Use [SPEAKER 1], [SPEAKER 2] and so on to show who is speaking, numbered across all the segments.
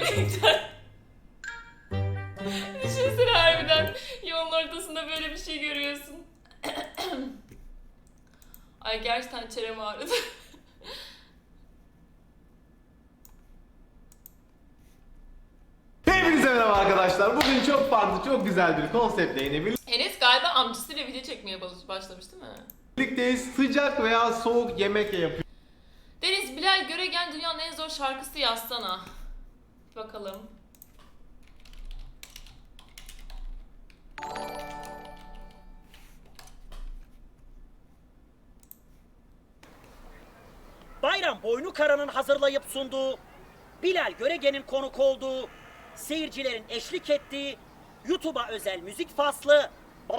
[SPEAKER 1] Gerçekten. Düşünsene harbiden yolun ortasında böyle bir şey görüyorsun. Ay gerçekten çenem ağrıdı.
[SPEAKER 2] Hepinize merhaba arkadaşlar. Bugün çok farklı, çok güzel bir konseptle yine
[SPEAKER 1] Enes galiba amcasıyla video çekmeye başlamış değil mi?
[SPEAKER 2] birlikteyiz. Sıcak veya soğuk yemek yapıyoruz.
[SPEAKER 1] Deniz Bilal Göregen dünyanın en zor şarkısı yazsana. Bakalım.
[SPEAKER 3] Bayram Boynukara'nın hazırlayıp sunduğu, Bilal Göregen'in konuk olduğu, seyircilerin eşlik ettiği, YouTube'a özel müzik faslı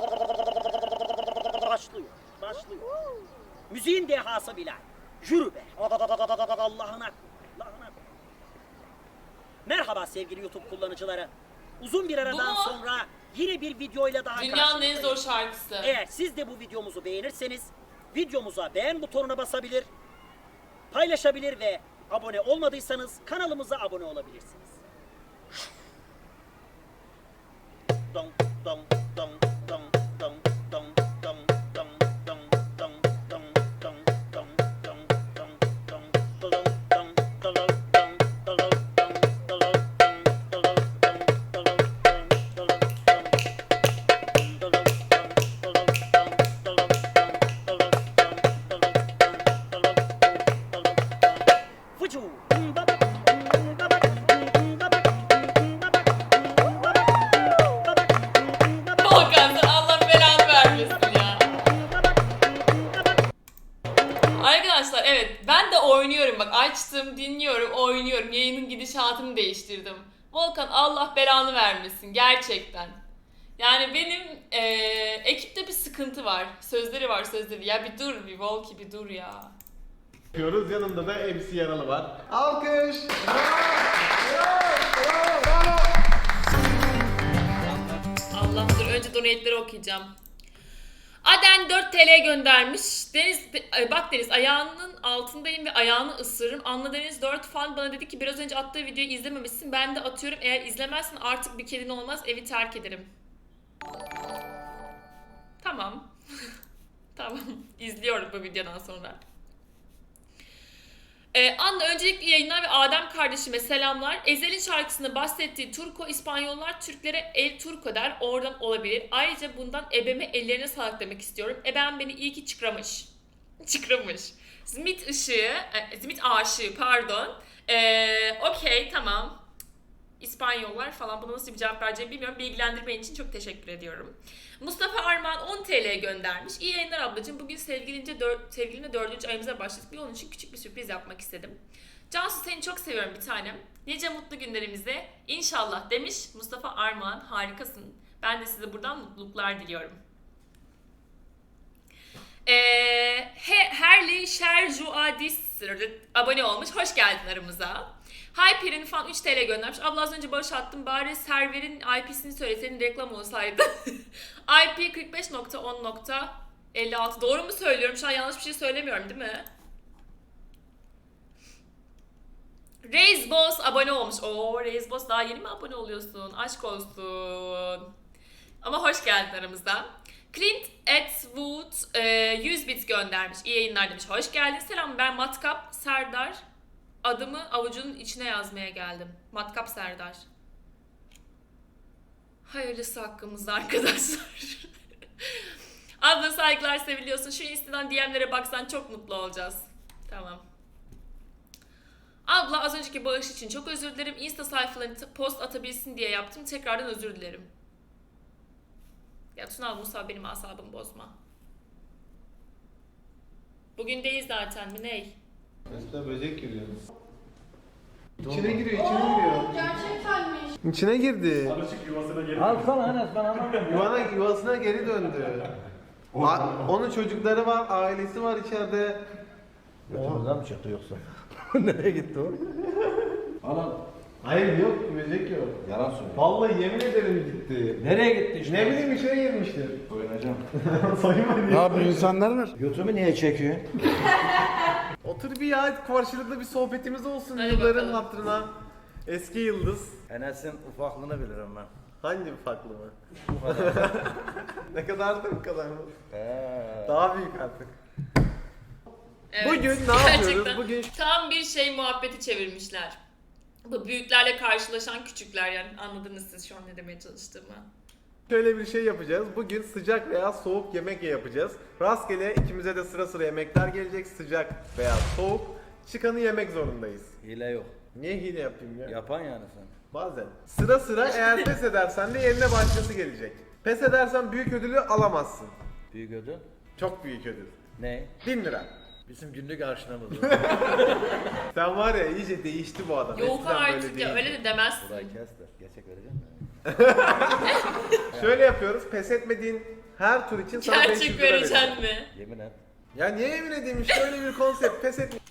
[SPEAKER 3] başlıyor. Müziğin dehası Bilal. Yürü be. Allah'ına. Merhaba sevgili YouTube kullanıcıları. Uzun bir aradan
[SPEAKER 1] Bu mu?
[SPEAKER 3] sonra yine bir videoyla daha
[SPEAKER 1] Dünyanın en
[SPEAKER 3] karşınızdayız.
[SPEAKER 1] zor şarkısı.
[SPEAKER 3] Eğer siz de bu videomuzu beğenirseniz videomuza beğen butonuna basabilir, paylaşabilir ve abone olmadıysanız kanalımıza abone olabilirsiniz. Dong dong dong dong dong dong dong dong dong dong dong dong dong dong dong dong
[SPEAKER 1] Volkan sen Allah belanı vermesin ya. Arkadaşlar evet ben de oynuyorum bak açtım dinliyorum oynuyorum yayının gidişatını değiştirdim. Volkan Allah belanı vermesin gerçekten. Yani benim ekipte bir sıkıntı var. Sözleri var sözleri. Ya bir dur bir Volki bir dur ya.
[SPEAKER 2] Yanımda da MC Yaralı var. Alkış!
[SPEAKER 1] Allah dur önce donate'leri okuyacağım. Aden 4 TL göndermiş. Deniz bak Deniz ayağının altındayım ve ayağını ısırırım. Anla Deniz 4 fan bana dedi ki biraz önce attığı videoyu izlememişsin. Ben de atıyorum. Eğer izlemezsen artık bir kedin olmaz. Evi terk ederim. Tamam. Tamam. İzliyorum bu videodan sonra. Anla öncelikle yayınlar ve Adem kardeşime selamlar. Ezel'in şarkısında bahsettiği Turko İspanyollar Türklere El Turco der. Oradan olabilir. Ayrıca bundan ebeme ellerine sağlık demek istiyorum. Ebem beni iyi ki çıkramış. Çıkramış. Zimit aşığı pardon. Okey tamam. İspanyollar falan buna nasıl bir cevap vereceğimi bilmiyorum. Bilgilendirmen için çok teşekkür ediyorum. Mustafa Armağan 10 TL göndermiş. İyi yayınlar ablacığım. Bugün sevgilimle 4. ayımıza başladık. Bir onun için küçük bir sürpriz yapmak istedim. Cansu seni çok seviyorum bir tanem. Nice mutlu günlerimize inşallah demiş Mustafa Armağan. Harikasın. Ben de size buradan mutluluklar diliyorum. Herli Şerjuadis abone olmuş. Hoş geldin aramıza. Hyper'in fan 3 TL göndermiş. Abla az önce bağış attım. Bari serverin IP'sini söyle. Senin reklam olsaydı. IP 45.10.56. Doğru mu söylüyorum? Şu an yanlış bir şey söylemiyorum değil mi? Reis Boss abone olmuş. Oo Reis Boss daha yeni mi abone oluyorsun? Aşk olsun. Ama hoş geldin aramıza. Clint Atwood 100 bit göndermiş. İyi yayınlar demiş. Hoş geldin. Selam ben Matkap Serdar. Adımı avucunun içine yazmaya geldim. Matkap Serdar. Hayırlısı hakkımızda arkadaşlar. Abla saygılar seviliyorsun. Şu Insta'dan DM'lere baksan çok mutlu olacağız. Tamam. Abla az önceki bağış için çok özür dilerim. Insta sayfalarını post atabilsin diye yaptım. Tekrardan özür dilerim. Ya Tunal Musa benim asabımı bozma. Bugün değil zaten mi ney?
[SPEAKER 2] Mesela böcek giriyor. İçine giriyor.
[SPEAKER 4] Gerçektenmiş.
[SPEAKER 2] İçine girdi.
[SPEAKER 5] Alışık yuvasına geri.
[SPEAKER 6] Alsana Enes ben anlamıyorum.
[SPEAKER 2] Yuvasına geri döndü. Onun çocukları var, ailesi var içeride.
[SPEAKER 6] Götümüzden mi çıktı yoksa? Nereye gitti o?
[SPEAKER 5] Anam.
[SPEAKER 2] Hayır yok, böcek yok.
[SPEAKER 5] Yalan söylüyor.
[SPEAKER 2] Vallahi yemin ederim gitti.
[SPEAKER 6] Nereye gitti işte?
[SPEAKER 2] Ne bileyim içine girmiştir.
[SPEAKER 5] Oynayacağım.
[SPEAKER 2] Sayın
[SPEAKER 6] Ne yapıyor insanlar var? Götümü niye çekiyor?
[SPEAKER 2] Otur bir ya karşılıklı bir sohbetimiz olsun
[SPEAKER 1] Hadi
[SPEAKER 2] yılların
[SPEAKER 1] bakalım.
[SPEAKER 2] hatırına. Eski yıldız.
[SPEAKER 6] Enes'in ufaklığını bilirim ben.
[SPEAKER 2] Hangi ufaklı mı?
[SPEAKER 6] Bu kadar.
[SPEAKER 2] Ne kadardı bu kadar mı?
[SPEAKER 6] He.
[SPEAKER 2] Daha büyük artık.
[SPEAKER 1] Evet,
[SPEAKER 2] Bugün ne yapıyoruz?
[SPEAKER 1] gerçekten
[SPEAKER 2] Bugün
[SPEAKER 1] tam bir şey muhabbeti çevirmişler. Bu büyüklerle karşılaşan küçükler, yani anladınız siz şu an ne demeye çalıştığımı.
[SPEAKER 2] şöyle bir şey yapacağız. Bugün sıcak veya soğuk yemek yapacağız. Rastgele ikimize de sıra sıra yemekler gelecek. Sıcak veya soğuk. Çıkanı yemek zorundayız.
[SPEAKER 6] Hile yok.
[SPEAKER 2] Niye hile yapayım ya?
[SPEAKER 6] Yapan yani sen.
[SPEAKER 2] Bazen. Sıra sıra eğer pes edersen de yerine başkası gelecek. Pes edersen büyük ödülü alamazsın.
[SPEAKER 6] Büyük ödül.
[SPEAKER 2] Çok büyük ödül.
[SPEAKER 6] Ne?
[SPEAKER 2] 1000 lira.
[SPEAKER 6] Bizim günlük harçlığımız.
[SPEAKER 2] Sen var ya iyice değişti bu adam.
[SPEAKER 1] Yok
[SPEAKER 2] Eskiden böyle
[SPEAKER 1] artık ya,
[SPEAKER 2] değildi.
[SPEAKER 1] öyle de demezsin.
[SPEAKER 6] Burayı kes de. Gerçek vereceğim mi?
[SPEAKER 2] Şöyle yapıyoruz. Pes etmediğin her tur için sana 500
[SPEAKER 1] Gerçek
[SPEAKER 2] lira vereceğim.
[SPEAKER 1] vereceksin mi?
[SPEAKER 6] Yemin et.
[SPEAKER 2] Ya niye yemin edeyim, işte öyle bir konsept. Pes et.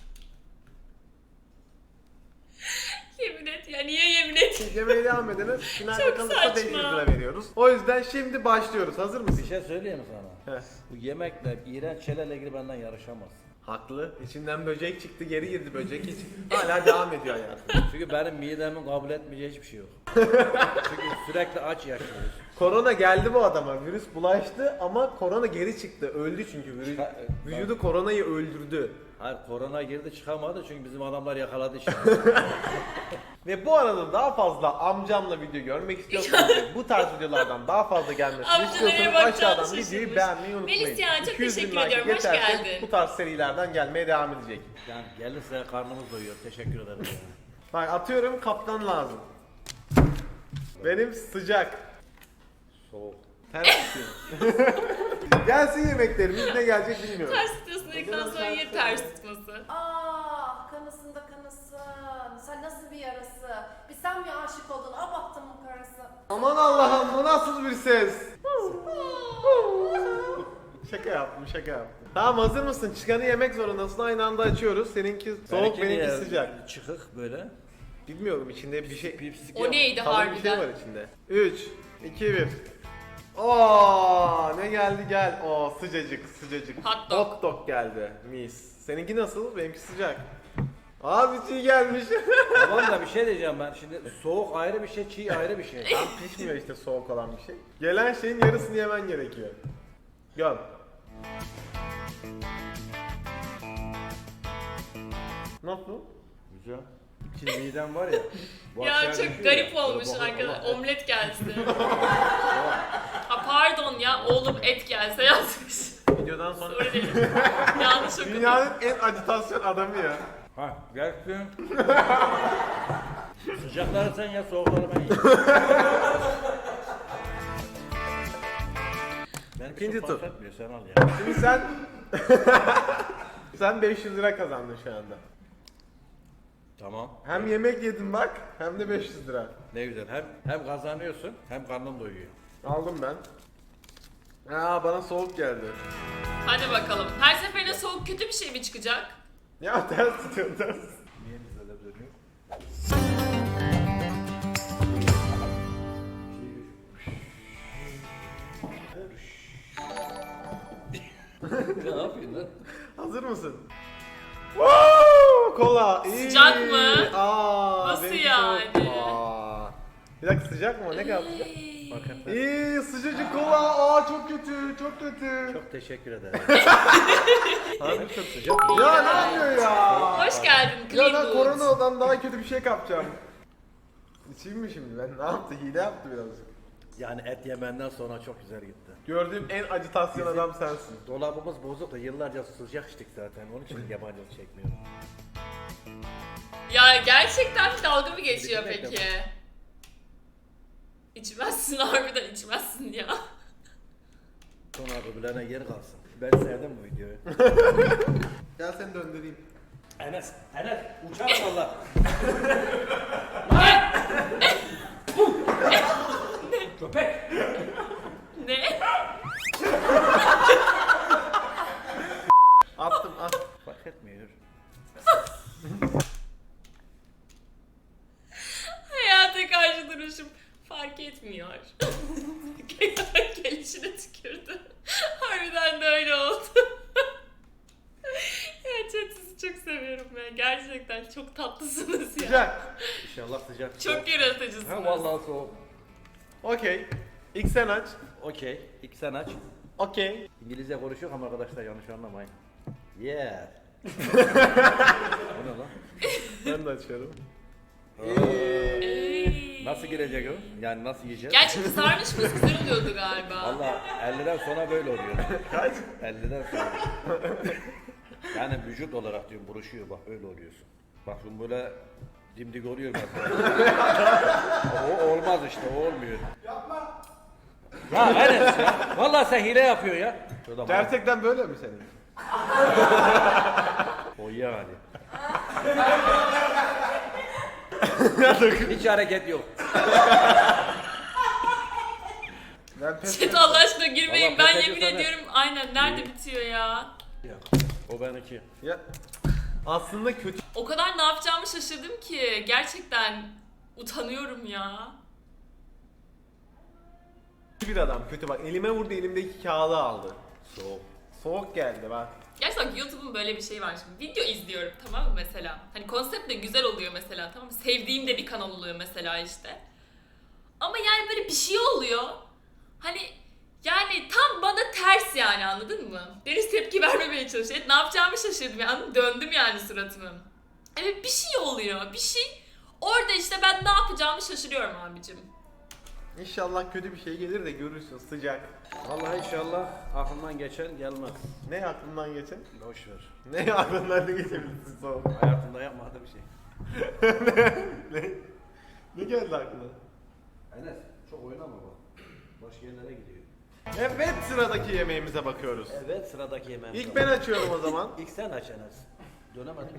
[SPEAKER 1] Yemin et ya, niye yemin et?
[SPEAKER 2] Yemeğe devam ediniz. Finalde
[SPEAKER 1] Çok
[SPEAKER 2] kalırsa 500
[SPEAKER 1] saçma.
[SPEAKER 2] lira veriyoruz. O yüzden şimdi başlıyoruz. Hazır mısın?
[SPEAKER 6] Bir şey söyleyeyim mi sana?
[SPEAKER 2] Heh.
[SPEAKER 6] Bu yemekle, iğrenç şeylerle ilgili benden yarışamazsın.
[SPEAKER 2] Haklı. İçinden böcek çıktı, geri girdi böcek. Hiç hala devam ediyor hayatım.
[SPEAKER 6] Çünkü benim midemin kabul etmeyeceği hiçbir şey yok. Çünkü sürekli aç yaşıyoruz.
[SPEAKER 2] Korona geldi bu adama. Virüs bulaştı ama korona geri çıktı. Öldü çünkü. Vücudu koronayı öldürdü.
[SPEAKER 6] Hayır, korona girdi çıkamadı çünkü bizim adamlar yakaladı işte.
[SPEAKER 2] Ve bu arada daha fazla amcamla video görmek istiyorsanız ve bu tarz videolardan daha fazla gelmesini
[SPEAKER 1] Amca nereye
[SPEAKER 2] istiyorsanız
[SPEAKER 1] bakacağını
[SPEAKER 2] aşağıdan videoyu
[SPEAKER 1] şaşırmış.
[SPEAKER 2] beğenmeyi unutmayın.
[SPEAKER 1] Melis ya, çok
[SPEAKER 2] 200 bin
[SPEAKER 1] teşekkür
[SPEAKER 2] like
[SPEAKER 1] ediyorum. Hoş
[SPEAKER 2] yeterse
[SPEAKER 1] geldin.
[SPEAKER 2] Bu tarz serilerden gelmeye devam edecek.
[SPEAKER 6] Yani gelirse karnımız doyuyor. Teşekkür ederim. Yani.
[SPEAKER 2] Bak atıyorum, kaptan lazım. Benim sıcak.
[SPEAKER 6] Soğuk.
[SPEAKER 2] Ters tutuyorum. Gelsin yemeklerimiz, ne gelecek bilmiyorum.
[SPEAKER 1] Ters tutuyorsun dedikten sonra yine ters tutması.
[SPEAKER 4] Ah, kanısında kanısın. Sen nasıl bir yarası? Bir sen mi aşık oldun? Ah bahtımın karısı.
[SPEAKER 2] Aman Allah'ım, bu nasıl bir ses? Şaka yaptım, şaka yaptım. Tamam, hazır mısın? Çıkanı yemek zorundasın. Aynı anda açıyoruz. Seninki soğuk, benimki sıcak.
[SPEAKER 6] Çıkık böyle.
[SPEAKER 2] Bilmiyorum, içinde bir şey...
[SPEAKER 6] Pipsik
[SPEAKER 1] O neydi
[SPEAKER 2] Kalın bir şey
[SPEAKER 1] harbiden?
[SPEAKER 2] var içinde. 3, 2, 1. Oo, ne geldi gel. Oo, sıcacık sıcacık.
[SPEAKER 1] Hot dog.
[SPEAKER 2] Hot dog geldi. Mis. Seninki nasıl? Benimki sıcak. Abi çiğ gelmiş.
[SPEAKER 6] Tamam da bir şey diyeceğim ben. Şimdi soğuk ayrı bir şey, çiğ ayrı bir şey.
[SPEAKER 2] Tam pişmiyor işte soğuk olan bir şey. Gelen şeyin yarısını yemen gerekiyor. Göm. Nasıl?
[SPEAKER 6] Güzel. Şimdi midem var ya. bu
[SPEAKER 1] Ya
[SPEAKER 6] aşağı
[SPEAKER 1] çok
[SPEAKER 6] düşüyor
[SPEAKER 1] garip
[SPEAKER 6] ya.
[SPEAKER 1] olmuş
[SPEAKER 6] Böyle
[SPEAKER 1] arkadaşlar.
[SPEAKER 6] bakıyorum,
[SPEAKER 1] Omlet gelse. Ha pardon ya, oğlum et gelse yazmış.
[SPEAKER 2] Videodan sonra
[SPEAKER 1] Öyle değil. Yanlış okudum.
[SPEAKER 2] dünyanın en acitasyon adamı ya.
[SPEAKER 6] Ha gelsin. Sıcakları sen ya, soğukları ben yiyeyim. Ben
[SPEAKER 2] İkinci
[SPEAKER 6] çok
[SPEAKER 2] tur.
[SPEAKER 6] fark etmiyor, sen al ya.
[SPEAKER 2] Şimdi sen... sen 500 lira kazandın şu anda.
[SPEAKER 6] Tamam.
[SPEAKER 2] Hem yemek yedin bak, hem de 500 lira.
[SPEAKER 6] Ne güzel. Hem kazanıyorsun hem karnın doyuyor.
[SPEAKER 2] Aldım ben. Aa, bana soğuk geldi.
[SPEAKER 1] Hadi bakalım. Her seferinde soğuk kötü bir şey mi çıkacak?
[SPEAKER 2] Ya ters tutuyorum, ters.
[SPEAKER 6] Niye biz öyle dönüyor? Ne yapıyorsun lan?
[SPEAKER 2] Hazır mısın? Woo! Kola. İyi.
[SPEAKER 1] Sıcak mı?
[SPEAKER 2] Aa,
[SPEAKER 1] Nasıl
[SPEAKER 2] benimki
[SPEAKER 1] yani?
[SPEAKER 2] soğuk. Aa. Bir dakika, sıcak mı? Ne kadar sıcak?
[SPEAKER 1] Ay.
[SPEAKER 6] Bakın.
[SPEAKER 2] İyi, sıcacık kola. Aa, çok kötü, çok kötü.
[SPEAKER 6] Çok teşekkür ederim.
[SPEAKER 2] Harbi çok sıcak.
[SPEAKER 1] İyi
[SPEAKER 2] Ya
[SPEAKER 1] ya.
[SPEAKER 2] ne yapıyor ya?
[SPEAKER 1] Hoş geldin
[SPEAKER 2] Ya
[SPEAKER 1] Clean
[SPEAKER 2] ben
[SPEAKER 1] Boot.
[SPEAKER 2] koronadan daha kötü bir şey kapacağım. İçeyim mi şimdi ben? Ne yaptı? Hile yaptı birazcık.
[SPEAKER 6] Yani et yemenden sonra çok güzel gitti.
[SPEAKER 2] Gördüğüm en acitasyon adam sensin.
[SPEAKER 6] Dolabımız bozuk da yıllarca sıcak içtik zaten. Onun için yabancılık çekmiyorum.
[SPEAKER 1] Ya gerçekten bir dalga mı geçiyor
[SPEAKER 6] Bir dakika.
[SPEAKER 1] peki? İçmezsin, harbiden içmezsin ya.
[SPEAKER 6] Sonra öbürlerine yer kalsın. Ben sevdim bu videoyu.
[SPEAKER 2] Gel seni döndüreyim.
[SPEAKER 6] Enes uçar valla. Köpek.
[SPEAKER 1] Ne?
[SPEAKER 2] Attım, at.
[SPEAKER 6] Fark etmiyor.
[SPEAKER 1] Hayata karşı duruşum fark etmiyor. Gelişine tükürdü. Harbiden de öyle oldu. Ya chat, sizi çok seviyorum ben Gerçekten çok tatlısınız ya.
[SPEAKER 2] Sıcak.
[SPEAKER 6] İnşallah sıcak.
[SPEAKER 1] Çok yaratıcısınız.
[SPEAKER 6] Ha vallahi soğuk.
[SPEAKER 2] Okey. İlk sen aç.
[SPEAKER 6] Okey. İlk sen aç.
[SPEAKER 2] Okey.
[SPEAKER 6] İngilizce konuşuyor ama arkadaşlar yanlış anlamayın. Yeah. Bu ne lan?
[SPEAKER 2] Ben de açıyorum.
[SPEAKER 1] Ey.
[SPEAKER 6] Nasıl girecek o? Yani nasıl yiyeceğiz?
[SPEAKER 1] Gerçi kızarmış mı? Güzel oluyordu galiba.
[SPEAKER 6] Valla 50'den sonra böyle oluyor.
[SPEAKER 2] Kaç?
[SPEAKER 6] 50'den sonra. Yani vücut olarak diyorum buruşuyor bak öyle oluyorsun. Bak şimdi böyle dimdik oluyor mesela. O olmaz işte o olmuyor. Yapma. Ya Enes ya. Valla sen hile yapıyorsun ya. Şurada bak.
[SPEAKER 2] Gerçekten böyle mi senin?
[SPEAKER 6] O yani. Hiç hareket yok.
[SPEAKER 2] Ben pes
[SPEAKER 1] Chat Allah aşkına girmeyin.
[SPEAKER 6] Vallahi
[SPEAKER 1] Ben
[SPEAKER 6] pes
[SPEAKER 1] yemin
[SPEAKER 6] ediyorsan
[SPEAKER 1] ediyorum aynen nerede bitiyor ya.
[SPEAKER 6] O benimki.
[SPEAKER 2] Ya. Aslında kötü
[SPEAKER 1] O kadar ne yapacağımı şaşırdım ki. Gerçekten utanıyorum ya.
[SPEAKER 2] bir adam. Kötü bak. Elime vurdu, elimdeki kağıdı aldı.
[SPEAKER 6] Soğuk.
[SPEAKER 2] Soğuk geldi bak.
[SPEAKER 1] Gerçekten YouTube'un böyle bir şeyi var şimdi. Video izliyorum tamam mı mesela? Hani konsept de güzel oluyor mesela tamam mı? Sevdiğim de bir kanal oluyor mesela işte. Ama yani böyle bir şey oluyor. Hani yani tam bana ters yani anladın mı? Deniz tepki vermemeye çalışıyor. Evet, ne yapacağımı şaşırdım yani. Döndüm yani suratımı. Evet bir şey oluyor. Bir şey. Orada işte ben ne yapacağımı şaşırıyorum abicim.
[SPEAKER 2] İnşallah kötü bir şey gelir de görürsün sıcak.
[SPEAKER 6] Vallahi inşallah aklımdan geçen gelmez.
[SPEAKER 2] Ne aklından geçen?
[SPEAKER 6] Boş ver.
[SPEAKER 2] Ne aklından ne geçebilirsin soğuk?
[SPEAKER 6] Hayatımda yapmadığım bir şey.
[SPEAKER 2] Ne geldi aklına?
[SPEAKER 6] Enes çok oynama bak. Başka yerlere gidiyor.
[SPEAKER 2] Evet sıradaki yemeğimize bakıyoruz.
[SPEAKER 6] Evet sıradaki yemeğim.
[SPEAKER 2] İlk ben açıyorum o zaman.
[SPEAKER 6] İlk sen aç Enes. Dönemedim.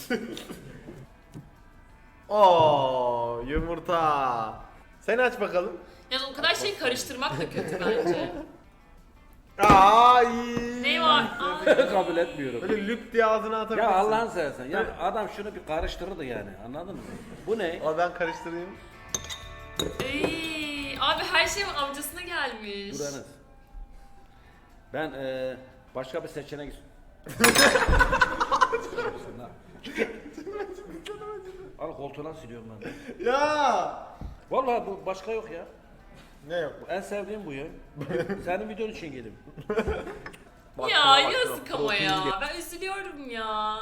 [SPEAKER 2] Oo yumurta. Sen aç bakalım.
[SPEAKER 1] Yani o kadar şeyi karıştırmak da kötü bence.
[SPEAKER 2] Ay.
[SPEAKER 1] Ne var? Aa,
[SPEAKER 6] Kabul etmiyorum.
[SPEAKER 2] Böyle lüp diye ağzına atabilirsin.
[SPEAKER 6] Ya Allah'ını seversen. Ya adam şunu bir karıştırırdı yani. Anladın mı? Bu ne?
[SPEAKER 2] Ama ben karıştırayım.
[SPEAKER 1] ey, abi her şey amcasına gelmiş.
[SPEAKER 6] Dur Enes. Ben başka bir seçenek Al koltuğuna siliyorum ben.
[SPEAKER 2] Ya.
[SPEAKER 6] Vallahi bu başka yok ya.
[SPEAKER 2] Ne yok bu?
[SPEAKER 6] En sevdiğim bu ya. Senin videon için geldim.
[SPEAKER 1] Ya yazık ama ya. Ben üzülüyorum ya.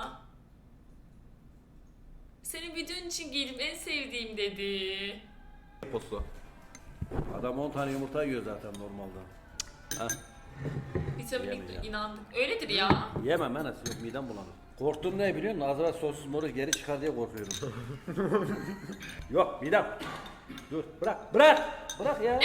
[SPEAKER 1] Senin videon için gelip en sevdiğim dedi.
[SPEAKER 2] Posu.
[SPEAKER 6] Adam 10 tane yumurta yiyor zaten normalde. Ha,
[SPEAKER 1] Vitaminlik
[SPEAKER 6] Yemeyeceğim.
[SPEAKER 1] inandık. Öyledir ya.
[SPEAKER 6] yemem Enes yok midem bulanır. Korktuğum ne biliyor musun? Ağzıma sossuz moru geri çıkar diye korkuyorum. Yok midem. Dur bırak bırak. Bırak ya.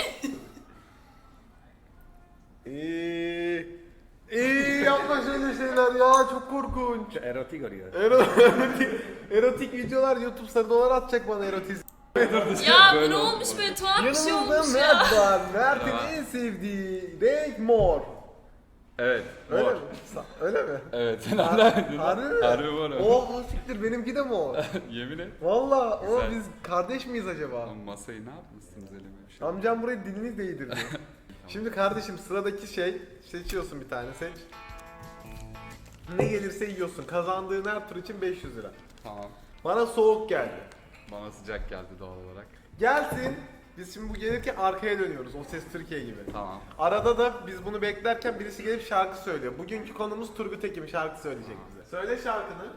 [SPEAKER 2] Yapma şöyle şeyler ya çok korkunç.
[SPEAKER 6] Şu erotik arıyor.
[SPEAKER 2] Erotik videolar YouTube sarı dolar atacak bana erotiz.
[SPEAKER 1] Ya bu ne olmuş böyle tuhaf bir şey
[SPEAKER 2] Yanımızda
[SPEAKER 1] olmuş ya.
[SPEAKER 2] Mert var. Mert'in en sevdiği renk mor.
[SPEAKER 5] Evet.
[SPEAKER 2] Öyle
[SPEAKER 5] Mor.
[SPEAKER 2] mi? Öyle mi?
[SPEAKER 5] Evet. Sen nereden bildin?
[SPEAKER 2] Harbi mi?
[SPEAKER 5] Harbi mor.
[SPEAKER 2] Oha siktir benimki de mor.
[SPEAKER 5] Yemin et.
[SPEAKER 2] Valla o
[SPEAKER 5] Güzel.
[SPEAKER 2] biz kardeş miyiz acaba?
[SPEAKER 5] Lan masayı ne yapmışsınız elime bir şey.
[SPEAKER 2] Amcam buraya dilini değdirdi. Şimdi kardeşim sıradaki şey seçiyorsun bir tane seç. Ne gelirse yiyorsun. Kazandığın her tur için 500 lira.
[SPEAKER 5] Tamam.
[SPEAKER 2] Bana soğuk geldi.
[SPEAKER 5] Bana sıcak geldi doğal olarak.
[SPEAKER 2] Gelsin. Biz şimdi bu gelirken arkaya dönüyoruz. O Ses Türkiye gibi.
[SPEAKER 5] Tamam.
[SPEAKER 2] Arada da biz bunu beklerken birisi gelip şarkı söylüyor. Bugünkü konumuz Turgut Ekim şarkı söyleyecek bize. Söyle şarkını.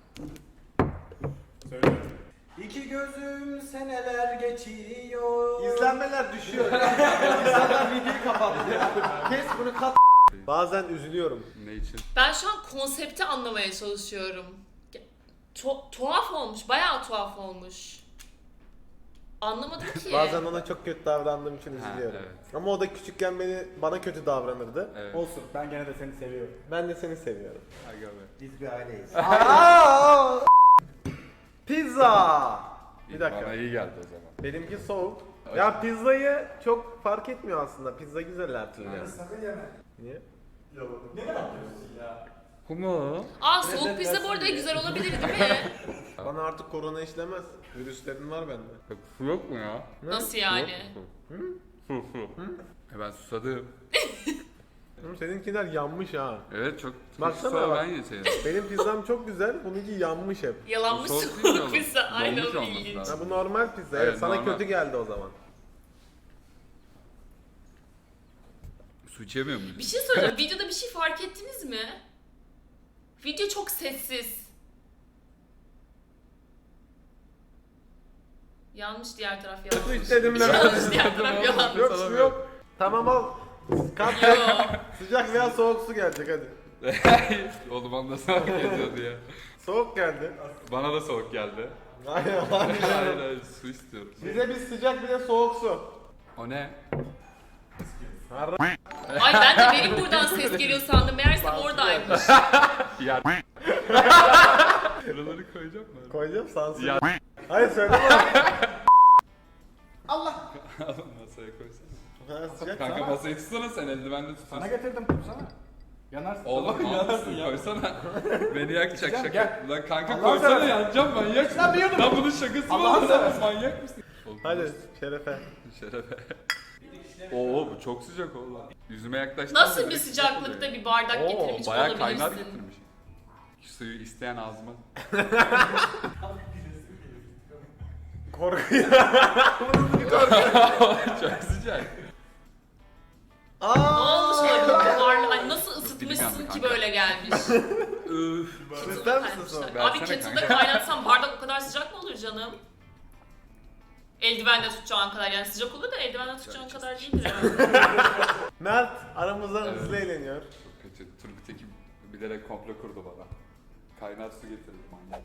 [SPEAKER 2] Söyle.
[SPEAKER 7] İki gözüm seneler geçiyor.
[SPEAKER 2] İzlenmeler düşüyor. İnsanlar videoyu kapattı. Kes bunu kat. Bazen üzülüyorum.
[SPEAKER 5] Ne için?
[SPEAKER 1] Ben şu an konsepti anlamaya çalışıyorum. Tuhaf olmuş. Bayağı tuhaf olmuş. Anlamadım ki.
[SPEAKER 2] Bazen ona çok kötü davrandığım için
[SPEAKER 5] Ha,
[SPEAKER 2] üzülüyorum.
[SPEAKER 5] evet.
[SPEAKER 2] Ama o da küçükken bana kötü davranırdı.
[SPEAKER 5] Evet.
[SPEAKER 7] Olsun ben gene de seni seviyorum.
[SPEAKER 2] Ben de seni seviyorum.
[SPEAKER 5] Aga be.
[SPEAKER 7] Biz bir aileyiz.
[SPEAKER 2] Aa! Pizza. Bir dakika.
[SPEAKER 5] Bana iyi geldi o zaman.
[SPEAKER 2] Benimki soğuk. Ya pizzayı çok fark etmiyor aslında. Pizza güzel her türlü.
[SPEAKER 7] Sakın yeme.
[SPEAKER 2] Niye?
[SPEAKER 7] Ne yapıyorsun ya?
[SPEAKER 5] Kumu.
[SPEAKER 1] Aa soğuk pizza bu arada güzel olabilir değil mi?
[SPEAKER 2] Bana artık korona işlemez. Virüslerin var bende.
[SPEAKER 5] Su yok mu ya?
[SPEAKER 1] Nasıl yani?
[SPEAKER 5] Su. Ben susadım.
[SPEAKER 2] Oğlum seninkiler yanmış ha.
[SPEAKER 5] Evet çok
[SPEAKER 2] Baksana
[SPEAKER 5] sonra
[SPEAKER 2] bak.
[SPEAKER 5] ben yeseydim.
[SPEAKER 2] Benim pizzam çok güzel, bununki yanmış hep.
[SPEAKER 1] Yalanmış
[SPEAKER 5] Soğuk değil mi
[SPEAKER 1] soğuk
[SPEAKER 5] oğlum?
[SPEAKER 1] pizza. Aynen
[SPEAKER 5] Donmuş
[SPEAKER 1] o
[SPEAKER 5] olması
[SPEAKER 1] ilginç.
[SPEAKER 5] lazım.
[SPEAKER 2] Ha bu normal pizza.
[SPEAKER 5] Evet,
[SPEAKER 2] Evet, sana
[SPEAKER 5] normal.
[SPEAKER 2] kötü geldi o zaman.
[SPEAKER 5] Su içemiyor muyuz?
[SPEAKER 1] Bir şey soracağım. Videoda bir şey fark ettiniz mi? Video çok sessiz. Yanlış, diğer taraf
[SPEAKER 2] Su
[SPEAKER 1] yanlış.
[SPEAKER 2] istedim ben.
[SPEAKER 1] Yanlış, diğer taraf yanlış.
[SPEAKER 2] Yok su yok. Tamam al. Kat
[SPEAKER 1] Yo.
[SPEAKER 2] sıcak veya soğuk su gelecek hadi.
[SPEAKER 5] Oğlum bana da soğuk geliyordu ya.
[SPEAKER 2] Soğuk geldi.
[SPEAKER 5] Bana da soğuk geldi.
[SPEAKER 2] Hayır hayır.
[SPEAKER 5] Hayır hayır su istiyorum.
[SPEAKER 2] Bize bir sıcak bir de soğuk su.
[SPEAKER 5] O ne?
[SPEAKER 1] Ay ben de benim buradan ses geliyor sandım. Meğerse oradaymış.
[SPEAKER 5] Ya. Şuraları koyacak mı?
[SPEAKER 2] Koyacağım sansür.
[SPEAKER 5] Ya.
[SPEAKER 2] Hayır söyleme bana.
[SPEAKER 7] Allah.
[SPEAKER 5] Masaya koysana.
[SPEAKER 2] Ha, sıcak
[SPEAKER 5] Kanka
[SPEAKER 2] tamam.
[SPEAKER 5] masayı tutsana sen eldivenle
[SPEAKER 7] Sana
[SPEAKER 5] tutuyorsun.
[SPEAKER 7] getirdim tutsana. Yanarsın.
[SPEAKER 5] Oğlum yanarsın ya. Koysana. Beni yakacak
[SPEAKER 7] Gel,
[SPEAKER 5] şaka.
[SPEAKER 7] gel.
[SPEAKER 5] Lan kanka
[SPEAKER 7] Allah'ını
[SPEAKER 5] koysana
[SPEAKER 7] seversen.
[SPEAKER 5] yanacağım manyak.
[SPEAKER 7] Lan bir yudum.
[SPEAKER 5] Lan bunun şakası mı
[SPEAKER 7] Allah'ını
[SPEAKER 5] olur lan?
[SPEAKER 7] seversen.
[SPEAKER 5] Manyak mısın?
[SPEAKER 2] Hadi şerefe.
[SPEAKER 5] Şerefe. Oo bu çok sıcak oğlum. Yüzüme yaklaştı.
[SPEAKER 1] Nasıl bir sıcaklıkta bir bardak
[SPEAKER 5] Oo
[SPEAKER 1] getirmiş
[SPEAKER 5] bayağı
[SPEAKER 1] olabilirsin?
[SPEAKER 5] kaynar getirmiş. Suyu isteyen ağzıma.
[SPEAKER 2] Korkuyor.
[SPEAKER 5] Çok sıcak.
[SPEAKER 1] Ne olmuş olabilir buharlı? Ay nasıl
[SPEAKER 5] Dilim
[SPEAKER 1] ısıtmışsın
[SPEAKER 5] yandı
[SPEAKER 1] ki
[SPEAKER 5] kanka.
[SPEAKER 1] böyle gelmiş?
[SPEAKER 5] Üf.
[SPEAKER 2] İster misin sonra?
[SPEAKER 1] Abi
[SPEAKER 5] Versene
[SPEAKER 1] kettle'da
[SPEAKER 5] kanka.
[SPEAKER 1] kaynatsan bardak o kadar sıcak mı olur canım? Eldivenle tutacağın kadar, yani sıcak olur da eldivenle tutacağın kadar değildir herhalde.
[SPEAKER 2] Mert aramızdan
[SPEAKER 5] Evet.
[SPEAKER 2] hızlı eğleniyor.
[SPEAKER 5] Çok kötü. Turgut Ekim bilerek komplo kurdu bana. Kaynar su getirdi manyak.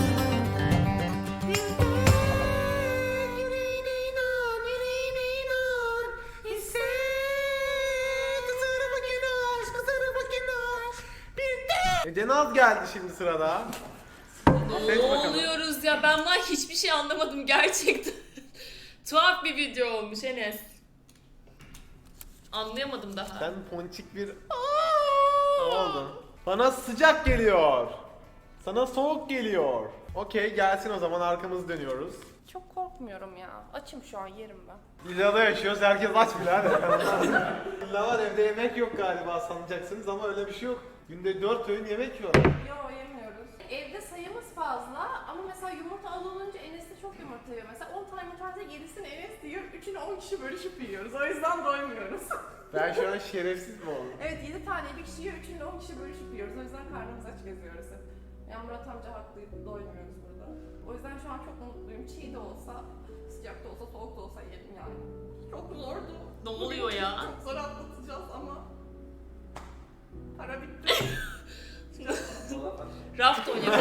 [SPEAKER 2] Cenaz geldi şimdi sırada. Seç
[SPEAKER 1] Ne
[SPEAKER 2] bakalım.
[SPEAKER 1] oluyoruz ya, ben bundan hiçbir şey anlamadım gerçekten. Tuhaf bir video olmuş Enes. Anlayamadım daha.
[SPEAKER 2] Sen ponçik bir... Ne oldu? Bana sıcak geliyor. Sana soğuk geliyor. Okey gelsin o zaman arkamızı dönüyoruz.
[SPEAKER 4] Çok korkmuyorum ya. Açım şu an, yerim ben.
[SPEAKER 2] Villada yaşıyoruz herkes aç birader. Villa var evde yemek yok galiba sanacaksınız ama öyle bir şey yok. Günde 4 öğün yemek yiyorlar.
[SPEAKER 4] Yo, yemiyoruz. Evde sayımız fazla ama mesela yumurta alınınca Enes de çok yumurta yiyor. Mesela 10 tane yumurta varsa 7'sini Enes yiyor, 3'ünü 10 kişi bölüşüp yiyoruz. O yüzden doymuyoruz.
[SPEAKER 2] Ben şu an şerefsiz mi oldum?
[SPEAKER 4] Evet, 7 tane bir kişi yiyor, 3'ünü 10 kişi bölüşüp yiyoruz. O yüzden karnımız aç geziyoruz hep. Ya Murat amca haklıydı, doymuyoruz burada. O yüzden şu an çok mutluyum. Çiğ de olsa, sıcak da olsa, soğuk da olsa yerim yani. Çok zordu.
[SPEAKER 1] Ne oluyor ya?
[SPEAKER 4] Çok zor atlatacağız ama para bitti.
[SPEAKER 1] Raft oynuyor.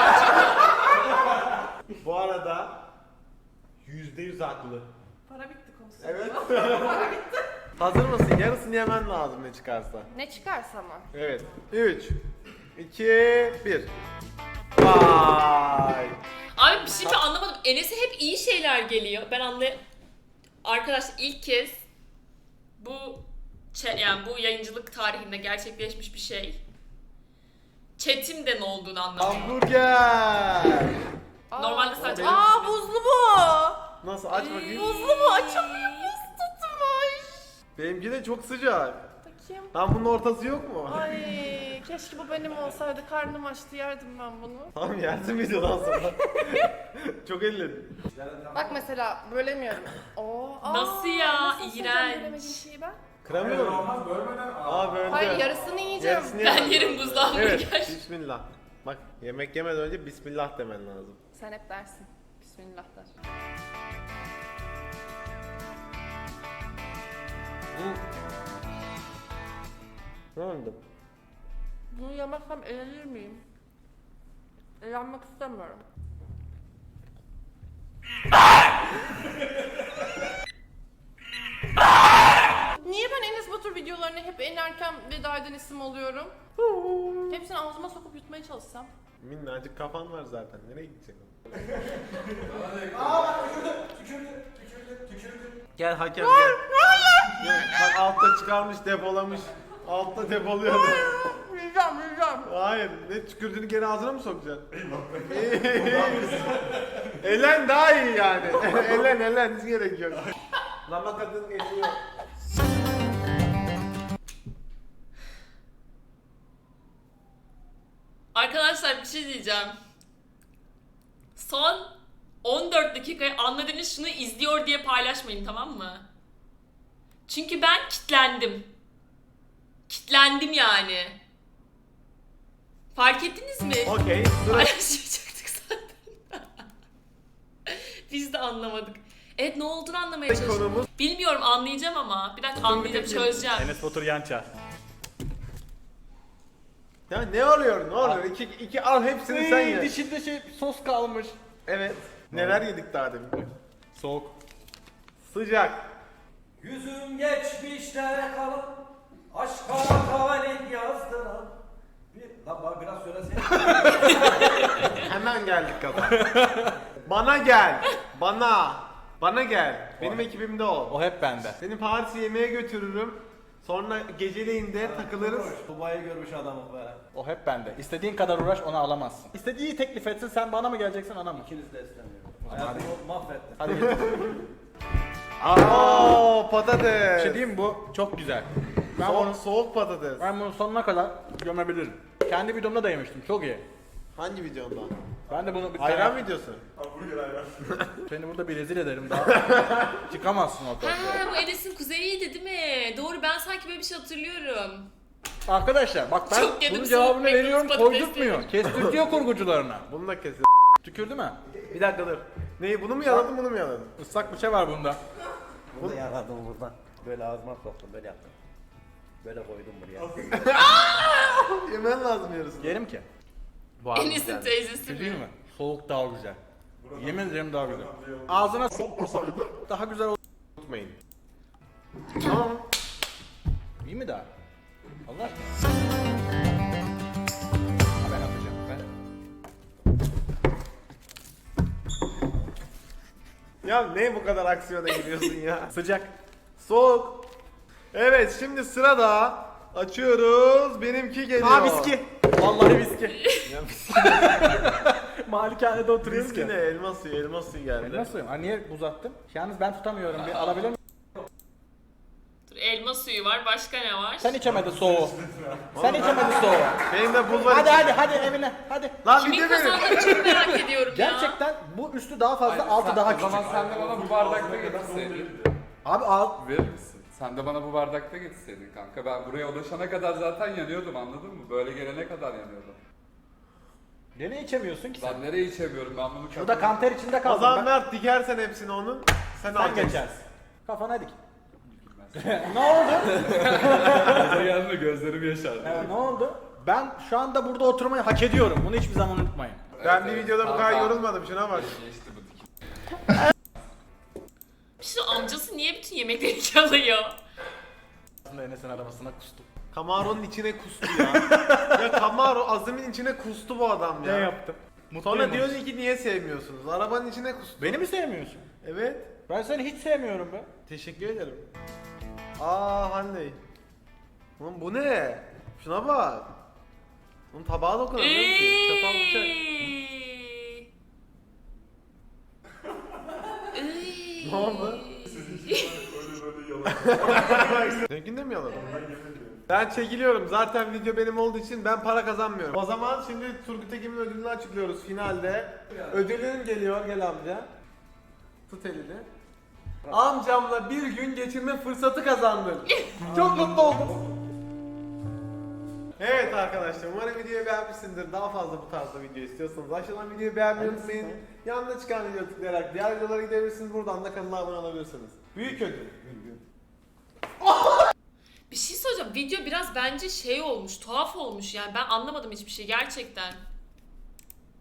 [SPEAKER 2] Bu arada %100 haklı.
[SPEAKER 4] Para bitti konusu.
[SPEAKER 2] Evet. Hazır mısın? Yarısını yemen lazım ne çıkarsa.
[SPEAKER 4] Ne çıkarsa ama.
[SPEAKER 2] Evet. 3, 2, 1. Vay.
[SPEAKER 1] Abi bir şey ben anlamadım. Enes'e hep iyi şeyler geliyor. Ben Arkadaşlar ilk kez yani bu yayıncılık tarihinde gerçekleşmiş bir şey. Chat'imde ne olduğunu anlamadım.
[SPEAKER 2] Hamburger.
[SPEAKER 1] Normalde sadece...
[SPEAKER 4] Aa, buzlu bu.
[SPEAKER 2] Nasıl aç bakayım.
[SPEAKER 4] Buzlu bu, açamıyor, buz tutmuş.
[SPEAKER 2] Benimki de çok sıcak.
[SPEAKER 4] Bakayım.
[SPEAKER 2] Lan bunun ortası yok mu?
[SPEAKER 4] Ay, keşke bu benim olsaydı, karnım açtı, yerdim ben bunu.
[SPEAKER 2] Tamam yersin videodan sonra. Çok elledin.
[SPEAKER 4] Bak mesela bölemiyorum. Oo,
[SPEAKER 1] Nasıl ya?
[SPEAKER 4] nasıl ısıracağım
[SPEAKER 1] İğrenç.
[SPEAKER 4] bölemediğim şeyi ben?
[SPEAKER 2] Kıramıyorum.
[SPEAKER 7] Olmaz bölmeden.
[SPEAKER 2] Aa böyle.
[SPEAKER 4] Hayır, yarısını yiyeceğim.
[SPEAKER 2] Yarısını
[SPEAKER 1] Ben
[SPEAKER 2] yemem
[SPEAKER 1] yerim
[SPEAKER 2] lazım.
[SPEAKER 1] buzlu hamburger.
[SPEAKER 2] Evet, bismillah. Bak yemek yemeden önce bismillah demen lazım.
[SPEAKER 4] Sen hep dersin. Bismillah der.
[SPEAKER 2] Ne oldu?
[SPEAKER 4] Bunu yemezsem eğlenir miyim? Eğlenmek istemiyorum. Niye ben Enes Batur videolarına hep en erken veda eden isim oluyorum? Hepsini ağzıma sokup yutmaya çalışsam.
[SPEAKER 2] Minnacık kafan var zaten. Nereye gidecek o?
[SPEAKER 7] Tükürdü.
[SPEAKER 2] Gel hakem gel. Gel. Bak altta çıkarmış depolamış. Altta depoluyordu.
[SPEAKER 4] Yiyeceğim.
[SPEAKER 2] Hayır. Ne tükürdüğünü geri ağzına mı sokacaksın? Elen daha iyi yani. Elen hiç gerek yok. Lama kadın geliyor.
[SPEAKER 1] Arkadaşlar bir şey diyeceğim. Son 14 dakikayı anladığınız şunu izliyor diye paylaşmayın, tamam mı? Çünkü ben kitlendim. Kitlendim yani. Fark ettiniz mi?
[SPEAKER 2] Okey. Sıra
[SPEAKER 1] Paylaşmayacaktık zaten. Biz de anlamadık. Evet, ne olduğunu anlamaya çalışıyorum.
[SPEAKER 2] konumuz
[SPEAKER 1] Bilmiyorum, anlayacağım ama. Bir dakika, anlayacağım, çözeceğim.
[SPEAKER 7] Enes Batur Yançar.
[SPEAKER 2] ya ne oluyor? Ne oluyor? İki al hepsini sen ye.
[SPEAKER 7] Dişinde sos kalmış.
[SPEAKER 2] Evet. Neler yedik daha demin?
[SPEAKER 7] Soğuk.
[SPEAKER 2] Sıcak.
[SPEAKER 6] Yüzüm geçmişte kalan, aşka talih yazdıran. Lan bana biraz söylesene.
[SPEAKER 2] Hemen geldik kafa. Bana gel. Bana gel. Benim ekibimde ol.
[SPEAKER 7] O hep bende.
[SPEAKER 2] Seni Paris'e yemeğe götürürüm. Sonra geceleyin de takılırız.
[SPEAKER 6] Dubai'yi görmüş adamım be.
[SPEAKER 7] O hep bende. İstediğin kadar uğraş, onu alamazsın. İstediği teklif etsin, sen bana mı geleceksin, ona mı?
[SPEAKER 6] İkiniz de istemiyorum. Hayatımı mahvettin.
[SPEAKER 7] Hadi git.
[SPEAKER 2] Aa,
[SPEAKER 7] Bir
[SPEAKER 2] patates.
[SPEAKER 7] şey diyeyim mi? Bu çok güzel.
[SPEAKER 2] Soğuk patates.
[SPEAKER 7] Ben bunu sonuna kadar gömebilirim. Kendi videomda da yemiştim, çok iyi.
[SPEAKER 2] Hangi videonda?
[SPEAKER 7] Ben de bunu bir
[SPEAKER 2] Ayran
[SPEAKER 7] tane...
[SPEAKER 2] videosu.
[SPEAKER 7] Seni burada bir rezil ederim daha. Çıkamazsın ortaya.
[SPEAKER 1] Ha, bu Enes'in kuzeyiydi değil mi? Doğru, ben sanki böyle bir şey hatırlıyorum.
[SPEAKER 7] Arkadaşlar bak ben
[SPEAKER 1] Çok yedim
[SPEAKER 7] bunun
[SPEAKER 1] soğuk
[SPEAKER 7] cevabını
[SPEAKER 1] McDonald's
[SPEAKER 7] veriyorum,
[SPEAKER 1] patatesleri.
[SPEAKER 7] koydurtmuyor. Kestirtiyor kurgucularına.
[SPEAKER 2] Bunu da kesin.
[SPEAKER 7] Tükürdü mü?
[SPEAKER 2] Bir dakika dur. Neyi? Bunu mu yaladın, bunu mu yaladın?
[SPEAKER 7] Islak bir şey var bunda.
[SPEAKER 6] Burada yaradım buradan. Böyle ağzıma soktum, böyle yaptım. Böyle koydum buraya.
[SPEAKER 2] Yemen lazım yarısını.
[SPEAKER 7] Yerim ki.
[SPEAKER 2] Bu abi
[SPEAKER 1] Enes'in
[SPEAKER 2] güzel.
[SPEAKER 1] teyzesi
[SPEAKER 7] Şey
[SPEAKER 1] mi?
[SPEAKER 7] değil mi? Soğuk daha güzel. Yemin ederim daha güzel. Ağzına daha güzel olur.
[SPEAKER 2] Unutmayın. Tamam.
[SPEAKER 7] İyi mi daha? Allah aşkına. Ha, ben atacağım.
[SPEAKER 2] Ya ne bu kadar aksiyona giriyorsun ya?
[SPEAKER 7] Sıcak.
[SPEAKER 2] Soğuk. Evet, şimdi sırada açıyoruz. Benimki geliyor.
[SPEAKER 7] Aa viski. Vallahi viski.
[SPEAKER 2] Ya viski,
[SPEAKER 7] Malikanede oturuyoruz
[SPEAKER 2] viski ne?
[SPEAKER 7] ki.
[SPEAKER 2] Elma suyu geldi.
[SPEAKER 7] Nasıl? Ha, niye uzattım? Yalnız ben tutamıyorum. Bir alabilir miyim?
[SPEAKER 1] Dur, elma suyu var, başka ne var?
[SPEAKER 7] Sen içemedin soğuğu. Sen içemedin soğuğu.
[SPEAKER 2] Benim de buz var.
[SPEAKER 7] Hadi
[SPEAKER 2] içinde.
[SPEAKER 7] hadi evine hadi.
[SPEAKER 2] Lan
[SPEAKER 1] Kimin
[SPEAKER 2] video verin.
[SPEAKER 1] kazandığını çok merak ediyorum ya.
[SPEAKER 7] Gerçekten bu üstü daha fazla, altı daha
[SPEAKER 5] O
[SPEAKER 7] küçük.
[SPEAKER 5] zaman sen de bana bu bardakta getirseydin.
[SPEAKER 7] Abi alt.
[SPEAKER 5] Verir misin? Sen de bana bu bardakta getirseydin kanka. Ben buraya ulaşana kadar zaten yanıyordum, anladın mı? Böyle gelene kadar yanıyordum.
[SPEAKER 7] Nereye içemiyorsun ki sen?
[SPEAKER 5] Ben nereye içemiyorum, ben bunu
[SPEAKER 7] Şurada kanter içinde
[SPEAKER 2] O
[SPEAKER 7] kaldım
[SPEAKER 2] zaman
[SPEAKER 7] ben.
[SPEAKER 2] Mert dikersen hepsini onun. Sen
[SPEAKER 7] Sen
[SPEAKER 2] alacaksın.
[SPEAKER 7] geçersin. Kafana dik. Ne oldu?
[SPEAKER 5] gelme, gözlerim yaşardı.
[SPEAKER 7] Ne oldu? Ben şu anda burada oturmayı hak ediyorum. Bunu hiçbir zaman unutmayın.
[SPEAKER 2] Ben bir videoda bu kadar yorulmadım. Şuna bak.
[SPEAKER 5] Geçti bu dikim.
[SPEAKER 1] Bir şey, amcası niye bütün yemekleri çalıyor?
[SPEAKER 7] Aslında Enes'in arabasına kustum.
[SPEAKER 2] Camaro'nun içine kustu ya. Ya Camaro Azim'in içine kustu bu adam ya.
[SPEAKER 7] yaptım?
[SPEAKER 2] Sonra diyorsun ki niye sevmiyorsunuz? Arabanın içine kustu.
[SPEAKER 7] Beni mi sevmiyorsun?
[SPEAKER 2] Evet.
[SPEAKER 7] Ben seni hiç sevmiyorum be.
[SPEAKER 2] Teşekkür ederim. Aa Hande. Oğlum bu ne? Şuna bak. Onun tabağa dokunamıyorum ki. Çatal bıçak. Ne oldu? Seninkini de mi yaladın? Ben çekiliyorum. Zaten video benim olduğu için ben para kazanmıyorum. O zaman şimdi Turgut Ekim'in ödülünü açıklıyoruz finalde. Ödülün geliyor. Gel amca. Tut elini. Amcamla bir gün geçirme fırsatı kazandın. Çok mutlu oldum. Evet arkadaşlar, umarım videoyu beğenmişsinizdir. Daha fazla bu tarzda video istiyorsanız aşağıdan videoyu beğenmeyi unutmayın. Yanında çıkan videoyu tıklayarak diğer videolara gidebilirsiniz. Buradan da kanala abone olabilirsiniz. Büyük ödül.
[SPEAKER 1] Bir şey söyleyeceğim. Video biraz bence şey olmuş, tuhaf olmuş yani. Ben anlamadım hiçbir şey gerçekten.